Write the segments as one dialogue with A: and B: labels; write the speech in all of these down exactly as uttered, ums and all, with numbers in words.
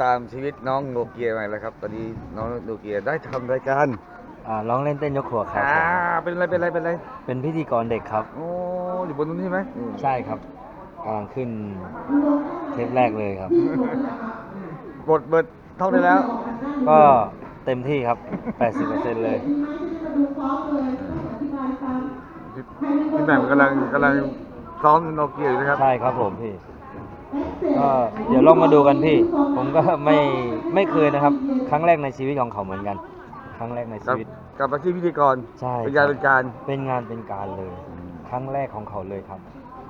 A: ตามชีวิตน้องโนเกียมาแล้วครับ ตอนนี้น้องโนเกียได้ทำรายการ
B: อ่าร้องเล่นเต้นยกครัวครับ
A: อ่าเป็นอะไรเป็นอะไรเป็นอะไร
B: เป็นพิธีกรเด็กครับ
A: โอ้อยู่บนนู้นใช่ไหม
B: ใช่ครับกำลังขึ้นเทปแรกเลยครับ
A: บทเบิดเท่าได้แล้ว
B: ก็เต็มที่ครับ แปดสิบเปอร์เซ็นต์ เลย
A: พี่แหม่มกำลังกำลังซ้อมโนเกียอยู่นะครับ
B: ใช่ครับผมพี่ ก็เดี๋ยวลองมาดูกันพี่ ผมก็ไม่ไม่เคยนะครับ ครั้งแรกในชีวิตของเขาเหมือนกัน ครั้งแรกในชีวิต
A: กับอาชีพพิธีกร
B: ใช่
A: เป็นงานเป็นการ
B: เป็นงานเป็นการเลย ครั้งแรกของเขาเลยครับ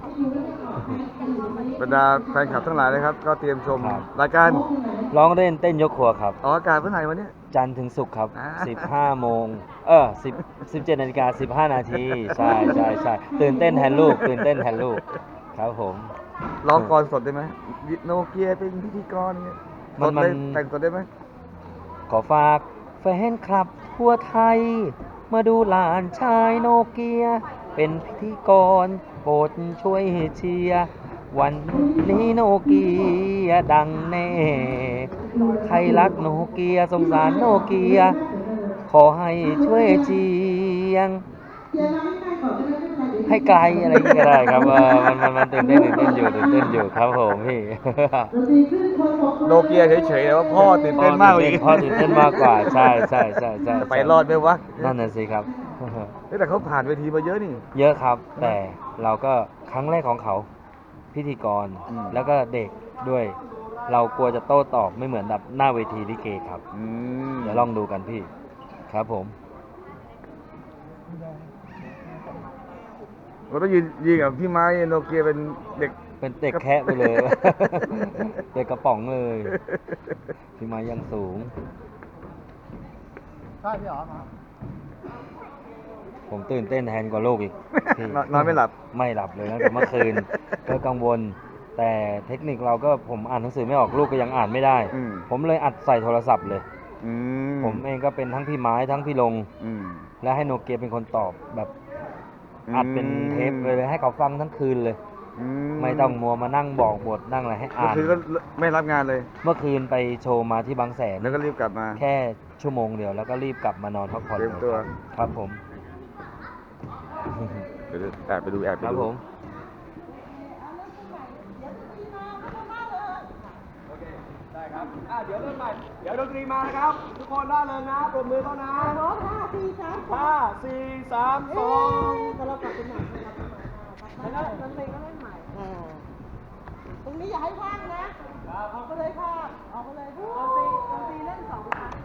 A: บรรดาแฟนคลับทั้งหลายนะครับ ก็เตรียมชม
B: ครับ
A: รายการ
B: ร้องเล่นเต้นยกครัวครับ
A: ออกอากาศเมื่อไหร่วันนี้
B: จันทร์ถึงศุกร์ครับ
A: อ่า
B: สิบห้าโมง เออ10 17นาฬิกา15นาที ใช่ใช่ใช่ตื่นเต้นแทนลูก ตื่นเต้นแทนลูก ครับผม
A: ร้องกรสดได้ไหมโนเกียเป็นพิธีกรเนี่ย
B: มัน
A: สดเลย
B: มัน
A: แต่งสดได้ไหม
B: ขอฝากแฟนคลับทั่วไทย มาดูหลานชายโนเกีย เป็นพิธีกรโปรดช่วยเชียร์วันนี้โนเกียดังแน่ ใครรักโนเกียสงสารโนเกีย ขอให้ช่วยเชียง ให้ไกลอะไรอย่างเงี้ยก็ได้ครับเออมันมันมันตื่นเต้นตื่นเต้นอยู่ตื่นเต้นอยู่ครับผมพี่
A: โนเกียเฉยๆแต่ว่าพ่อตื่นเต้นมากกว่าอีก
B: พ่อตื่นเต้นมากกว่าใช่ใช่ใช่ใช่
A: จะไปรอดไหมวะ
B: นั่นน่ะสิครับ
A: เฮ้ยแต่เขาผ่านเวทีมาเยอะนี่
B: เยอะครับ แต่เราก็ครั้งแรกของเขาพิธีกร
A: อืม
B: แล้วก็เด็กด้วย เรากลัวจะโต้ตอบไม่เหมือนแบบหน้าเวทีลิเกครับ
A: อืม
B: เดี๋ยวลองดูกันพี่ ครับผม
A: เราต้องยืนยืนกับพี่ไม้โนเกียเป็นเด็ก
B: เป็นเด็กแคะไปเลย เด็กกระป๋องเลย พี่มายังสูง
C: ใช่พี่อ๋อครับ
B: ผมตื่นเต้นแทนกว่าลูกอีกพี่
A: นอนนอนไม่หลับ
B: ไม่หลับเลยตั้งแต่เมื่อคืน ก็กังวล แต่เทคนิคเราก็ผมอ่านหนังสือไม่ออกลูกก็ยังอ่านไม่ได้
A: อืม
B: ผมเลยอัดใส่โทรศัพท์เลย
A: อืม
B: ผมเองก็เป็นทั้งพี่ไม้ทั้งพี่ลง
A: อืม
B: และให้โนเกียเป็นคนตอบแบบ
A: อืม
B: อัดเป็นเทปเลยให้เขาฟังทั้งคืนเลย
A: อื
B: ไม่ต้องมัวมานั่งบอกบทนั่งอะไรให้
A: ก็
B: อ่าน
A: คือก็ไม่รับงานเลย
B: เมื่อคืนไปโชว์มาที่บางแสน
A: แล้วก็รีบกลับมา
B: แค่ชั่วโมงเดียวแล้วก็รีบกลับมานอนพักผ่อน
A: เตรียมตัว
B: ลยครับผม
A: เดี๋ยวแอบไปดูแอบไป
B: ครับ
A: ดู
B: ผม
C: ได้ครับอ่ะเดี๋ยวเริ่มใหม่ เดี๋ยวดนตรีมานะครับ ทุกคนร่าเริงนะปรบมือเขานะ
D: พร้อมห้าสี่สาม
C: ห้าสี่สามสอง
D: แต่เรากลับไปใหม่แล้วดนตรีก็เล่นใหม่ตรงนี้อย่าให้ว่างนะออกไปเลยค่ะออกไปเลยดนตรีดนตรีเล่นสองครั้ง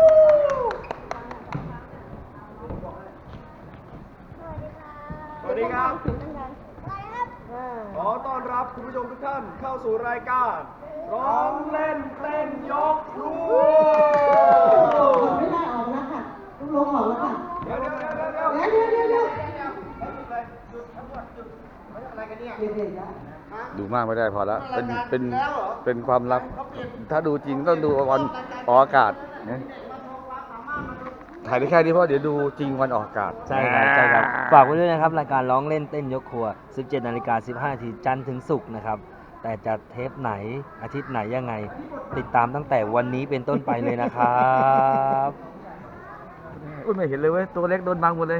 C: สวัสดีครับ
D: เสียงดังๆอะไรครับ
C: ขอต้อนรับคุณผู้ชมทุกท่านเข้าสู่รายการ ร้องเล่นเต้นยกครัว
D: ไม่ได้ออกแล้วค่ะต้องลงออกแล้วค่ะ
C: เดี๋ยวเดี๋ยวเดี๋ยวเดี๋ยวเดี๋ยว
D: เดี๋ยวเดี๋ยวเดี๋ยวเดี๋ยวเดี๋ยว
A: ดูมากไม่ได้พอแล้วเป็นเป็นเป็นความลับ ถ้าดูจริงต้องดูวันออกอากาศนะถ่ายได้แค่นี้เพราะเดี๋ยวดูจริงวันออกอากาศ
B: ใช่ครับใช่ครับ ฝากไว้ด้วยนะครับ รายการร้องเล่นเต้นยกครัว สิบเจ็ดนาฬิกาสิบห้านาทีจันทร์ถึงศุกร์นะครับ แต่จะเทปไหนอาทิตย์ไหนยังไง ติดตามตั้งแต่วันนี้เป็นต้นไปเลยนะครับ
A: อุ้ยไม่เห็นเลยเว้ยตัวเล็กโดนบังหมดเลย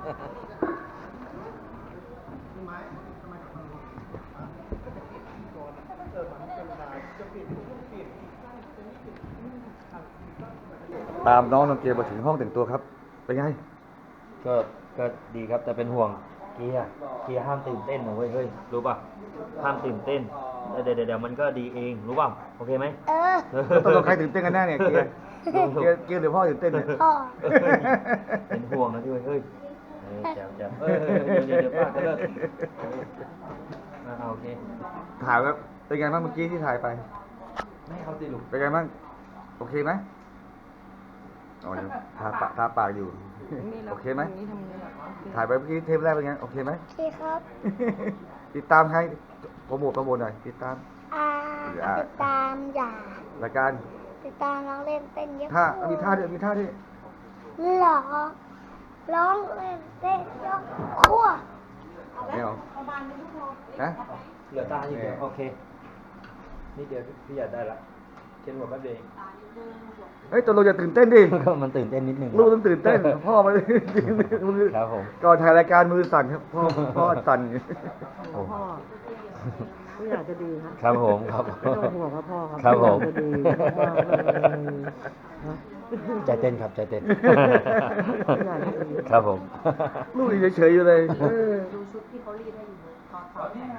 A: ตามน้องน้องเกียร์มาถึงห้องแต่งตัวครับ เป็นไง
B: ก็ก็ดีครับแต่เป็นห่วงเกียร์เกียร์ห้ามตื่นเต้นนะเว้ยเฮ้ยรู้ป่ะห้ามตื่นเต้นเดี๋ยวเดี๋ยวเดี๋ยวมันก็ดีเองรู้ป่ะโอเคไหม
D: เออ
A: ตกลงใครตื่นเต้นกันแน่เนี่ยเกียร์เกียร์เกียร์หรือพ่อตื่นเต้นเนี่ย
D: พ่อ
B: เป็นห่วงนะที่เว้ยเฮ้ยเออแจ๋วแจ๋วเออเดี๋ยวเดี๋ยวเดี๋ยวป้าก็เลิกเอออ่าโอเค
A: ถ่ายแล้วเป็นไงบ้างเมื่อกี้ที่ถ่ายไป
B: ไม่เขาสิลูก
A: เป็นไงบ้าง โอเคไหมอ๋อยังทาปากทาปากอยู่ โอเคไหม ถ่ายไปเมื่อกี้เทปแรกเป็นไง โอเคไหม
D: โอเคครับ
A: ติดตามใครโปรโมทโปรโมทหน่อย ติดตาม
D: อ่าติดตามอย่าร
A: ายการ
D: ติดตามร้องเล่นเต้นยก
A: ท่ามีท่าด้วยมีท่าด้วย
D: หรอร้องเล่นเต้นยกครัว
A: ไม่เอานะ
B: เหลือตาอีกเดียวโอเคนี่เดียวพี่อยากได้ละเขียนหัวแป๊บเดียว
A: เฮ้ยตัวเราอย่าตื่นเต้นดิ
B: ก็มันตื่นเต้นนิดนึง
A: ลูกต้องตื่นเต้น พ่อมันมือ
B: ครับผม
A: ก่อนถ่ายรายการมือสั่นครับพ่อพ่อสั่น
B: โอ้
D: พ่อไม่อยากจะดีฮะ
B: ครับผมครับ
D: ไม่ต้องห่วงครับพ่อครับ
B: ครับผม
D: ไอยากจะดีมากเลยนะ
B: ใจเต้นครับใจเต้น
D: ไม่อยากจะดี
B: ครับผม
A: ลูกยังเฉยๆอยู่เลยเออ
E: ดูชุดที่เขารีดให้อยู่ถอดถอดใส่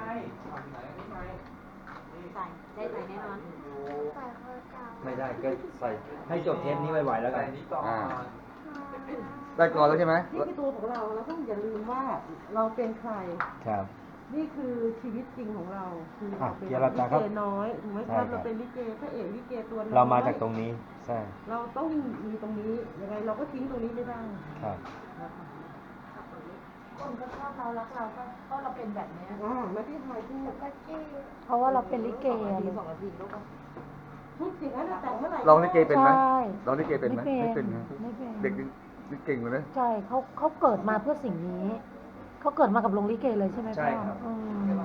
E: ได้ใส่แน่นอน
B: ไม่ได้ก็ใส่ให้จบเทปนี้ไวๆแล้วกัน
A: อ่าได้ก่อนแล้วใช่ไหม
D: นี่คือตัวของเราเราต้องอย่าลืมว่าเราเป็นใคร
B: ครับ
D: นี่คือชีวิตจริงของเรา คือ
B: อ่ะ
D: เราเป็น
B: เกียรติ
D: ลิ
B: ครับ
D: เกน้อยถูกไหมค
B: ใช่
D: รับ
B: ครับ
D: เราเป็นลิเกพระเอกลิเกตัวน้อย
B: เรามาจากตรงนี้ใช่
D: เราต้องมีตรงนี้ยังไงเราก็ทิ้งตรงนี้ไม่ได้
B: ครับ
D: นะคะ
E: คนก็ชอบเรารักเราก็ก็เราเป็นแบบนี้
D: อ่าไม่ที่ไทยพูด
E: เพราะว่าเราเป็นลิเกอะลูก
D: พูดจริงนะแต่งเมื่อไหร่
A: ลองลิเกเป็นไหม
E: ใช่
A: ลองลิเกเป็นไหม
E: ไม่
A: ไม่
E: เป็
A: เป็น
E: น
A: นะ
E: ไม่เป็น
A: เด็กนี่เก่งเลยนะ
E: ใช่เขาเขาเกิดมาเพื่อสิ่งนี้ เขาเกิดมากับโรงลิเกเลยใช่ไหม
B: ใช่
E: พ่อ
B: ครับ
E: อืม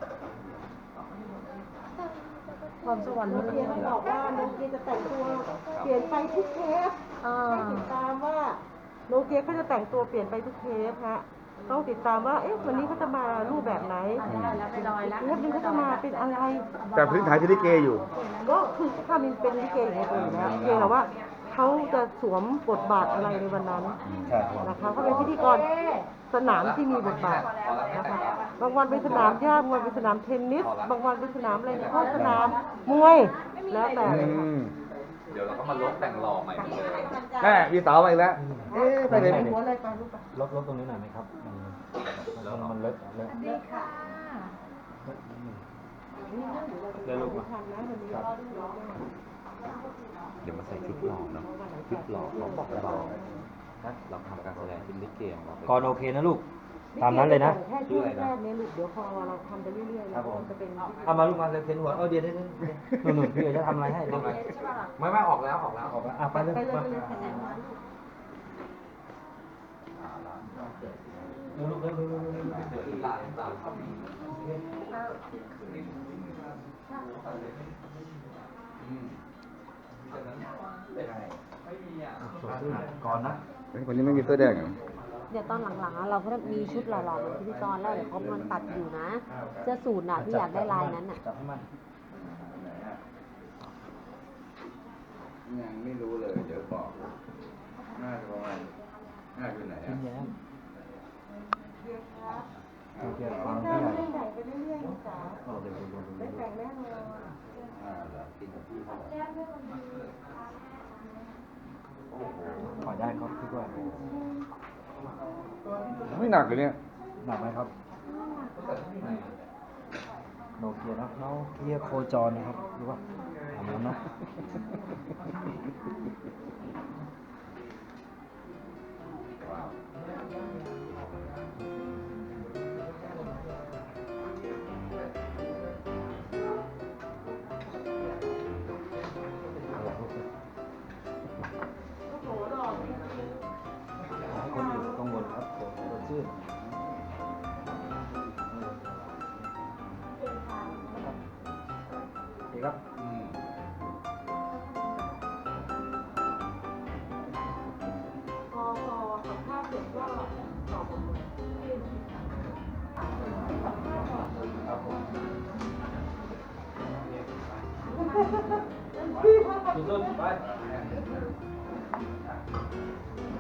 E: ความสวรรค์
D: โน
E: ล้
D: เกีย
E: วน
D: บอกว่าโนเกียจะแต่งตัวเปลี่ยนไปทุกเทป
E: ๆอ่า
D: ให้ติดตามว่าโนเกียเขาจะแต่งตัวเปลี่ยนไปทุกเทปฮะต้องติดตามว่าเอ๊ะวันนี้เขาจะมารูปแบบไหน
E: ได้แล้วไปลอยแล้ว
D: เทปนี้เขาจะมาเป็นอะไร
A: แต่พื้นฐานที่ลิเกอยู่
D: ก็คือถ้ามันเป็นลิเกอยู่ในตัวอยู่แล้วเพียงแต่ว่าเขาจะสวมบทบาทอะไรในวันนั้น
B: ครับผม
D: นะคะเขาเป็นพิธีกรสนามที่มีบทบาทนะคะบางวันเป็นสนามหญ้าบางวันเป็นสนามเทนนิสบางวันเป็นสนามอะไรเนี่ยก็สนามมวยแล้วแต่
A: อืม
F: เดี๋ยวเราก็มาลบแต่งหล่อใหม่หมดเลย
A: แม่มีสาวมาอีกแล้ว เอ๊ะไปไหน
D: หัวอะไรไปลูกไป
B: ลดลดตรงนี้หน่อยไหมครับมันมันมันเลอะเลอะ
E: ดีค่ะ
B: เดี๋ยวลูกมา
D: ทันนะวันนี้
F: เดี๋ยวมาใส่ชุดหล่อเนาะชุดหล่อเขาบอกเราเราทำการแสดงเป็นลิเกของเราเป็น
B: ก่อนโอเคนะลูก ตามนั้นเลยนะ
D: แค่ช่วงแรกเนี่ยลูกเดี๋ยวพอเราทำไปเรื่อยๆ
B: ครั
D: แล้
B: บ
D: ว
B: ผม
D: มันจะเป็น
B: เอามาลูกมาเลยเขียนหัว เออเดี๋ยวเดี๋ยวเดี๋ยวหนุ่มๆพี่เอ๋จะทำอะไรให้เดี๋ยว
F: ไม่ไม่ออกแล้วออกแล้ว
B: ออกแล้วอ่ะไปเลย
D: ไปเลย
B: มา
D: ไปเลย
B: เร็วลูกเร็วเร็วเร็วเร็วเร็ว
F: เดี๋ยวอีลาตามเขามี
B: สดชื่นก่อนนะ
A: เฮ้ยคนนี้ไม่มีเสื้อแดงเหรอ
E: เดี๋ยวตอนหลังๆอะเราก็จะมีชุดหล่อๆเป็นพิธีกรแล้วเดี๋ยวเขามันตัดอยู่นะ เสื้อสูทน่ะที่อยากได้ลายนั้นน่ะ
B: จับให้มัน
A: ยังไม่รู้เลย เดี๋ยวบอกน่าจะประมาณน่าอยู่ไหน
B: ยิ้
A: อ่ะ
B: มแย้มโอเคฟัง
D: ได้
B: พี่ใหญ่
D: แต่งไปเรื่อยๆลูกจ๋า
B: เออเดี๋ยวเดี๋ยวเดี๋ยว
D: ได้
B: เดี๋ยว
D: แต่งแน่นอน
A: อ่าเหรอกินกับพี่เขาเหรอ
B: ขอได้ครับพี่ด้วย
A: ไม่หนักเลยเนี่ย
B: หนักไหมครับโนเกียนะโนเกียโคจรนะครับรู้ป่ะทำแล้วนะ
D: โอ้โหหล่อจริง
B: ให้คนอยู่กังวลครับผมสดชื่นโอเคครับ
A: อืม
D: ๆพอพอสัมภาษณ์เสร็จก็ตอบหมดเลยพี่ว่า
B: สุดๆไป